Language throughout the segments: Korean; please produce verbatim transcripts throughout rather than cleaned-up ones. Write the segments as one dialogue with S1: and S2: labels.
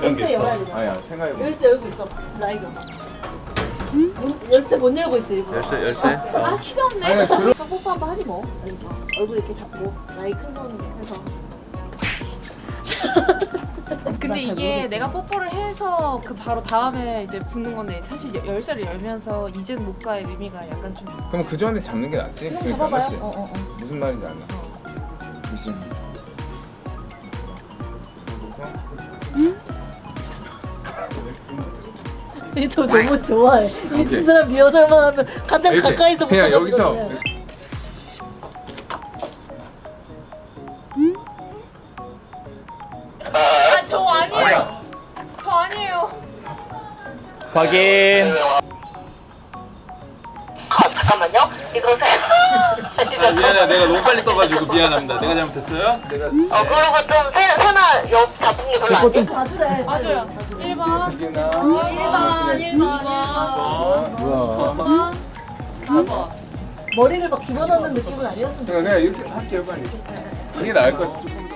S1: 열쇠 열어야 되나?
S2: 아니야 생각해봐.
S1: 열쇠 열고 있어. 라이가. 문, 열쇠 못 열고 있어 일부러.
S3: 열쇠 열쇠.
S1: 아 키가 없네.
S2: 아니 들어.
S1: 뽀뽀 한번 하지 뭐. 여기서 얼굴 이렇게 잡고 라이 큰 손 해서.
S4: 근데 이게 내가 뽀뽀를 해서 그 바로 다음에 이제 붙는 건데 사실 여- 열쇠를 열면서 이젠 못 가의 의미가 약간 좀.
S2: 그럼 그 전에 잡는 게 낫지?
S1: 그럼
S2: 그러니까
S1: 잡아봐요.
S2: 맞지?
S1: 어, 어, 어.
S2: 무슨 말인지 알아? 그치?
S1: 얘도 너무 좋아해. 미친 사람 리허설만 하면 가장
S2: 이렇게,
S1: 가까이서
S2: 그냥
S1: 붙어가지고
S2: 여기서
S1: 그냥.
S4: 아 저 아니에요. 저 아니에요.
S3: 확인.
S5: 잠깐만요. 이러세요.
S3: 아, 미안해, 내가 너무 빨리 떠가지고 미안합니다. 내가 잘못했어요? 내가.
S5: 어, 그리고 좀 세, 세나 옆 잡은 게 별로 안 돼.
S1: 봐주래.
S4: 맞아요. 일 번.
S2: 이게나
S4: 일 번. 일 번.
S2: 뭐야?
S4: 사 번.
S1: 머리를 막 집어넣는 느낌은 아니었으면
S2: 그냥 그냥 이렇게 할게요 빨리. 이게 나을 것 같아 조금 더.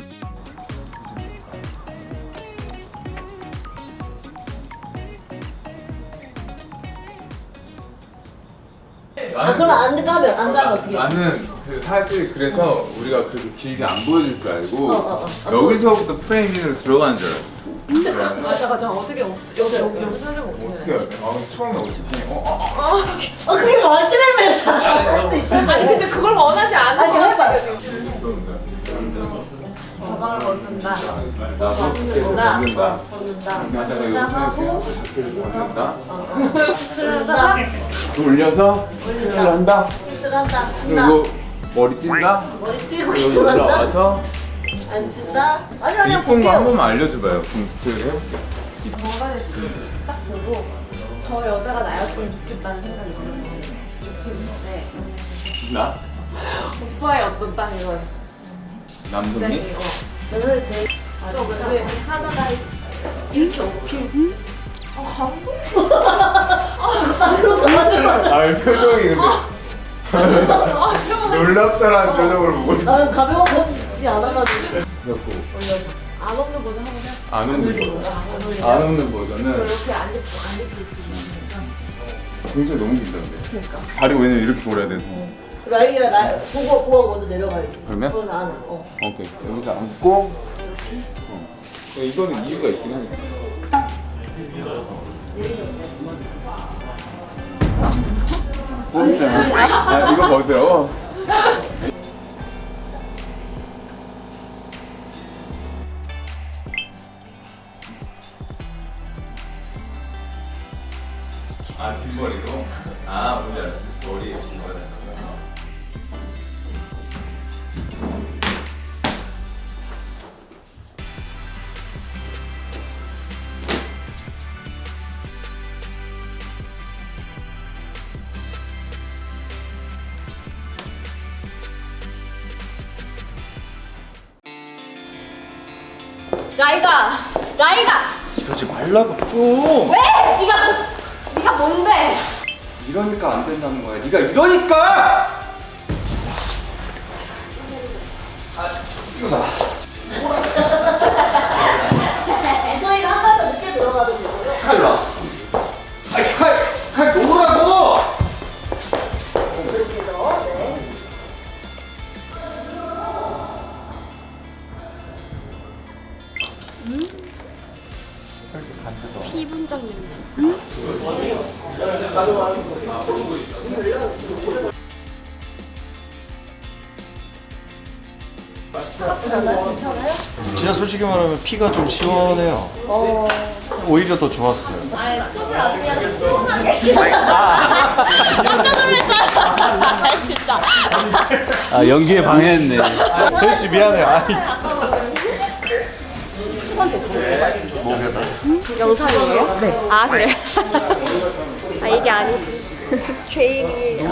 S1: 아 그럼 안 가면 안 가면 어떻게?
S2: 나는 그 사실 그래서 우리가 그렇게 길게 안 보여줄 줄 알고
S1: 어, 어, 어.
S2: 여기서부터 프레이밍으로 들어가는 줄 알았어. 그래.
S4: 아 잠깐 저 어떻게 여기 여기 여기 설명 어떻게
S2: 어떻게 해야 돼? 아 처음에 어떻게? 어, 어, 어.
S1: 어 그게 마시레면서 할수 있다.
S4: 아니 근데 그걸 원하지 않는
S1: 아니,
S4: 거
S1: 해봐.
S4: 같아요 지금. 가방을 벗는다.
S2: 나도 계속 먹는다.
S1: 벗는다.
S2: 하다가 이거
S1: 하고
S2: 계속 먹는다.
S1: 쓰러다
S2: 돌려서
S1: 올린다.
S2: 스를 한다.
S1: 키스를 한다.
S2: 그리고 머리 찐다.
S1: 머리 찌고
S2: 그리고
S1: 일어난다.
S2: 올라와서
S1: 앉힌다. 아니 아니
S2: 이쁜 거 한 번만 알려줘봐요. 그럼 스트를 해볼게.
S4: 정관에 딱 보고 저 여자가 나였으면 좋겠다는 생각이 들었어요. 좋겠는데
S2: 나?
S4: 오빠의 어떤 딱 이런
S2: 남성이?
S4: 굉장히 어.
S1: 오늘 제
S4: 또 왜 하나가 이렇게 어필. 아 감동.
S2: 아 표정이 근데
S4: 아 정말
S2: 놀랍다라는 표정으로 보고 있어.
S1: 나는 가벼워지지 않아가지고
S2: 그래갖고
S4: 안 없는 버전 하고 그냥
S2: 안 없는 버전. 안 없는 버전은
S4: 이렇게 안 입고 안 입고 있으니까.
S2: 굉장히 너무 긴장돼.
S4: 그러니까.
S2: 다리 왜냐면 이렇게 돌아야 돼서.
S1: 라이가 나 보고 보고 먼저 내려가야지.
S2: 그러면?
S1: 거기서 안 해. 어.
S2: 오케이 여기서 앉고. 어. 이거는 이유가 있긴 하니까. 보이잖아. 아, 이거 보세요. 아 뒷머리로? 아 뭔지 알았어. 머리 뒷머리.
S4: 라이가 라이가
S6: 이러지 말라고 좀.
S4: 왜? 네가 네가 뭔데?
S6: 이러니까 안 된다는 거야. 네가 이러니까. 아, 이거 나.
S1: 이소희가 한 번 더 늦게 들어가도 되고요.
S6: 칼 놔. 아니 칼, 칼 놓으라고.
S1: 그렇게죠. 네.
S4: 피분장 냄새.
S6: 진짜 솔직히 말하면 피가 좀 시원해요.
S1: 어.
S6: 오히려 더 좋았어요.
S1: 아니 숨을 아주 그냥 시원하게.
S4: 깜짝 놀랐어요. 진짜.
S3: 아 연기에 방해했네.
S6: 혜씨 미안해. 아이.
S4: 영상이에요? 네. 아 그래? 아 이게 아니지. 개인이.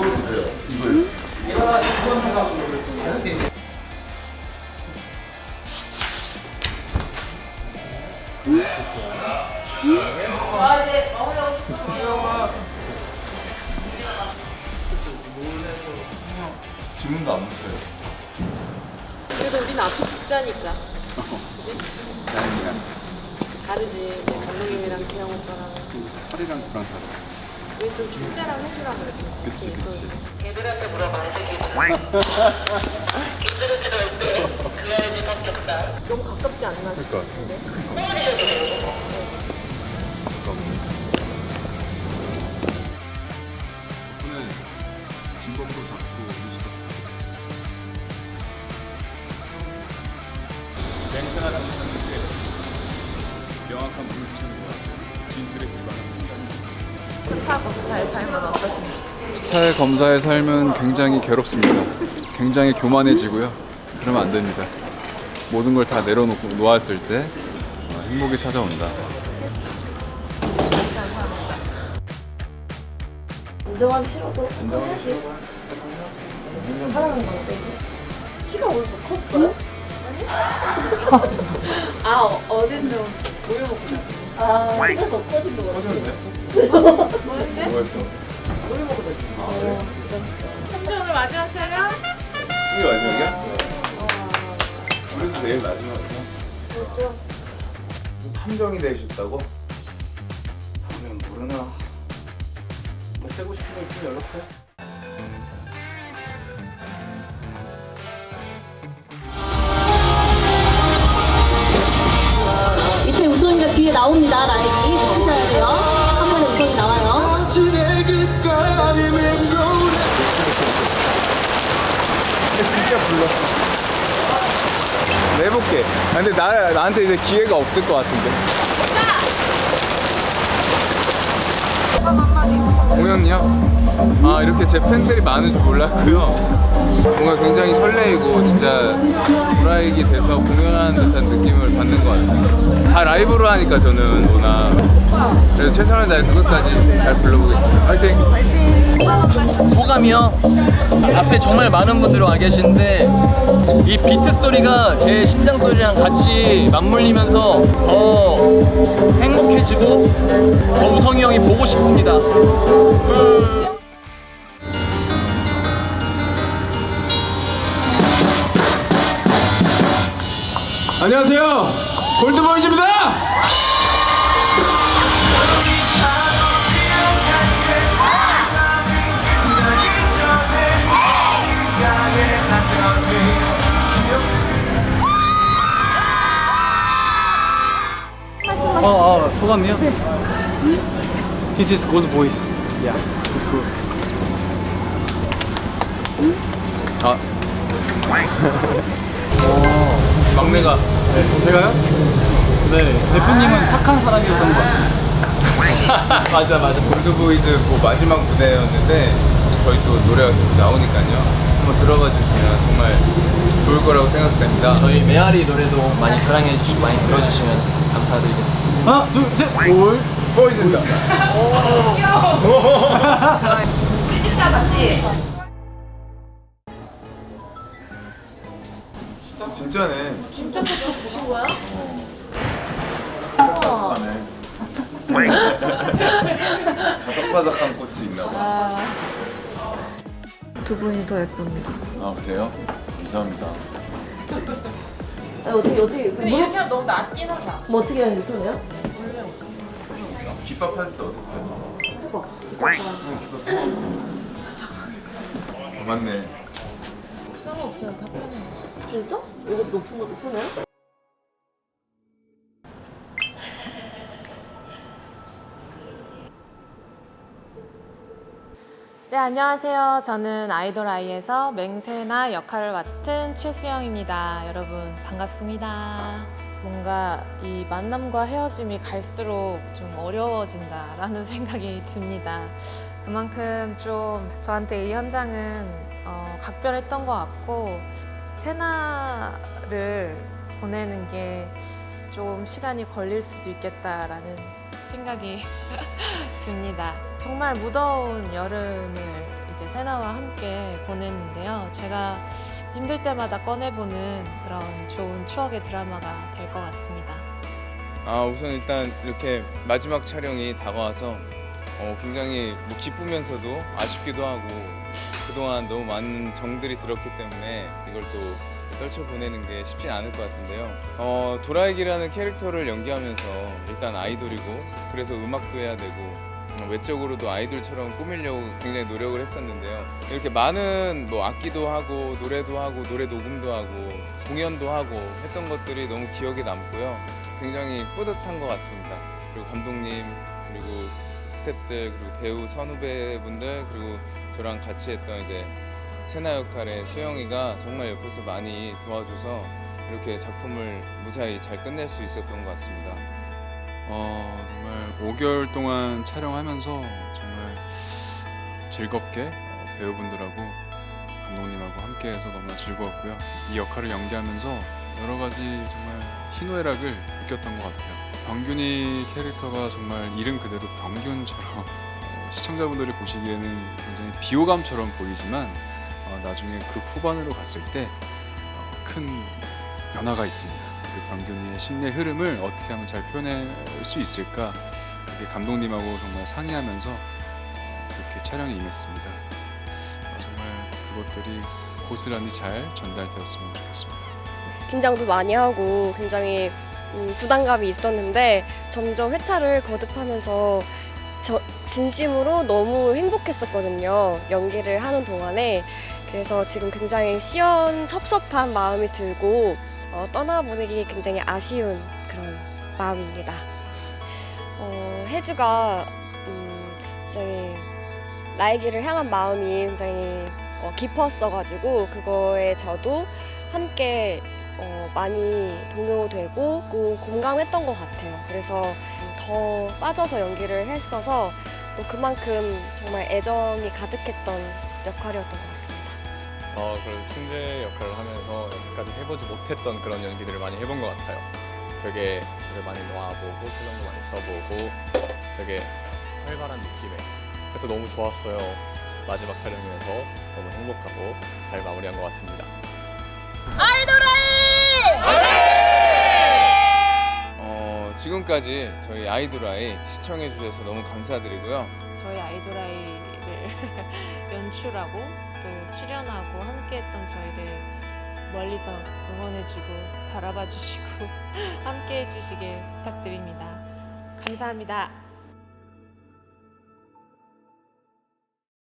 S2: 지문도 안 묻혀요.
S4: 그래도 우리는 앞에 붙자니까.
S2: 다행이야.
S4: 다르지. 이제 감독님이랑 재영 오빠랑.
S2: 팔이랑 구랑 다르지.
S4: 우리 좀 출제랑 해주라 그랬지.
S2: 그치 그치.
S5: 걔들한테 물어봐야 되겠지. 걔들은 들어올 때 그래야지 바뀌었다.
S4: 너무 가깝지 않나
S2: 그러니까.
S4: 싶은데.
S2: 덕분에 진범도 잡고 뉴스도
S7: 맹세나 당했었는데 명확한 물증과 진술에 기반한 인간입니다.
S4: 스타 검사의 삶은 어떠신지?
S8: 스타의 검사의 삶은 굉장히 괴롭습니다. 굉장히 교만해지고요. 그러면 안 됩니다. 모든 걸 다 내려놓고 놓았을 때 어, 행복이 찾아온다.
S1: 인정하기 싫어도 해야지. 사랑하는 건데. 키가 오늘 더 컸어요?
S4: 아 어, 어제 좀 우유 먹고 잤어.
S1: 아, 키가 더 커진 것 같아요.
S4: 뭐였대?
S2: 뭐였어?
S1: 우유 먹고 잤어. 아, 진짜.
S4: 현재 오늘 마지막 촬영?
S2: 이게 마지막이야? 우리도 내일 마지막이야.
S1: 그렇죠.
S2: 판정이 되셨다고?
S6: 그냥 모르나. 뭐 빼고 싶은 거 있으면 연락해.
S9: 이때 우선이가 뒤에 나옵니다. 라인이 보셔야 돼요. 한 번에 우선이 나와요.
S2: 진짜 불러. 내볼게. 아, 근데 나, 나한테 이제 기회가 없을 것 같은데. 공연이요? 아, 이렇게 제 팬들이 많은 줄 몰랐고요. 뭔가 굉장히 설레이고 진짜 브라이기 돼서 공연하는 듯한 느낌을 받는 것 같아요. 다 라이브로 하니까 저는 워낙. 그래서 최선을 다해서 끝까지 잘 불러보겠습니다. 화이팅!
S10: 소감이요? 앞에 정말 많은 분들이 와 계시는데 이 비트 소리가 제 심장 소리랑 같이 맞물리면서 더 행복해지고 더 우성이 형이 보고 싶습니다.
S2: 안녕하세요. 골드보이즈입니다.
S10: 어, 어 소감이요? This is good voice. Yes, it's good.
S2: 아. 막내가.
S10: 네, 제가요? 네, 대표님은 착한 사람이었던 것 같습니다.
S2: 맞아 맞아. 골드보이즈 뭐 마지막 무대였는데 저희 또 노래가 계속 나오니까요. 한번 들어봐 주시면 정말 좋을 거라고 생각됩니다.
S10: 저희 메아리 노래도 많이 사랑해 주시고 많이 들어주시면 감사드리겠습니다. 하나, 둘, 셋, 골.
S2: 보이즈입니다.
S1: 우리 진짜 맞지?
S2: 진짜네.
S1: 진짜 꽃을 보신 거야?
S2: 바삭바삭한 꽃이 있나 봐.
S1: 두 분이 더 예쁩니다.
S2: 아 그래요? 감사합니다.
S1: 아니, 어떻게 어떻게
S4: 근데
S1: 뭐,
S4: 이렇게 하면 너무 낫긴 하다.
S1: 뭐 어떻게 하는 게 편해요?
S2: 기밥 할 때 어떻게 해요?
S1: 해봐.
S2: 어, 맞네.
S4: 상관없어요. 다 편해요.
S1: 진짜? 이거 높은 것도 편해요?
S4: 네, 안녕하세요. 저는 아이돌 아이에서 맹세나 역할을 맡은 최수영입니다. 여러분 반갑습니다. 뭔가 이 만남과 헤어짐이 갈수록 좀 어려워진다라는 생각이 듭니다. 그만큼 좀 저한테 이 현장은 어, 각별했던 것 같고 세나를 보내는 게 좀 시간이 걸릴 수도 있겠다라는 생각이 듭니다. 정말 무더운 여름을 이제 세나와 함께 보냈는데요. 제가 힘들 때마다 꺼내보는 그런 좋은 추억의 드라마가 될 것 같습니다.
S2: 아 우선 일단 이렇게 마지막 촬영이 다가와서 어, 굉장히 뭐 기쁘면서도 아쉽기도 하고 그동안 너무 많은 정들이 들었기 때문에 이걸 또 떨쳐보내는 게 쉽지 않을 것 같은데요. 어, 도라에기라는 캐릭터를 연기하면서 일단 아이돌이고 그래서 음악도 해야 되고 외적으로도 아이돌처럼 꾸미려고 굉장히 노력을 했었는데요. 이렇게 많은 뭐 악기도 하고 노래도 하고 노래 녹음도 하고 공연도 하고 했던 것들이 너무 기억에 남고요. 굉장히 뿌듯한 것 같습니다. 그리고 감독님 그리고 스태프들 그리고 배우 선후배분들 그리고 저랑 같이 했던 이제 세나 역할의 수영이가 정말 옆에서 많이 도와줘서 이렇게 작품을 무사히 잘 끝낼 수 있었던 것 같습니다.
S8: 어, 정말 오 개월 동안 촬영하면서 정말 즐겁게 어, 배우분들하고 감독님하고 함께해서 너무나 즐거웠고요. 이 역할을 연기하면서 여러 가지 정말 희노애락을 느꼈던 것 같아요. 병균이 캐릭터가 정말 이름 그대로 병균처럼 어, 시청자분들이 보시기에는 굉장히 비호감처럼 보이지만 어, 나중에 극 후반으로 갔을 때 큰 변화가 있습니다. 그 병균이의 심리의 흐름을 어떻게 하면 잘 표현할 수 있을까 그게 감독님하고 정말 상의하면서 그렇게 촬영에 임했습니다. 어, 정말 그것들이 고스란히 잘 전달되었으면 좋겠습니다.
S11: 긴장도 많이 하고 굉장히 음, 부담감이 있었는데 점점 회차를 거듭하면서 저, 진심으로 너무 행복했었거든요. 연기를 하는 동안에. 그래서 지금 굉장히 시원섭섭한 마음이 들고 어, 떠나보내기 굉장히 아쉬운 그런 마음입니다. 어, 혜주가 음, 굉장히 라이기를 향한 마음이 굉장히 어, 깊었어가지고 그거에 저도 함께 어, 많이 동요되고 그 공감했던 것 같아요. 그래서 더 빠져서 연기를 했어서 또 그만큼 정말 애정이 가득했던 역할이었던 것 같습니다.
S12: 어, 그래서 춘재 역할을 하면서 여태까지 해보지 못했던 그런 연기들을 많이 해본 것 같아요. 되게 저를 많이 놓아보고 표정도 많이 써보고 되게 활발한 느낌에 그래서 너무 좋았어요. 마지막 촬영이면서 너무 행복하고 잘 마무리한 것 같습니다.
S2: 어, 지금까지 저희 아이돌아이 시청해 주셔서 너무 감사드리고요.
S4: 저희 아이돌아이를 연출하고 또 출연하고 함께했던 저희를 멀리서 응원해주고 바라봐주시고 함께해주시길 부탁드립니다. 감사합니다.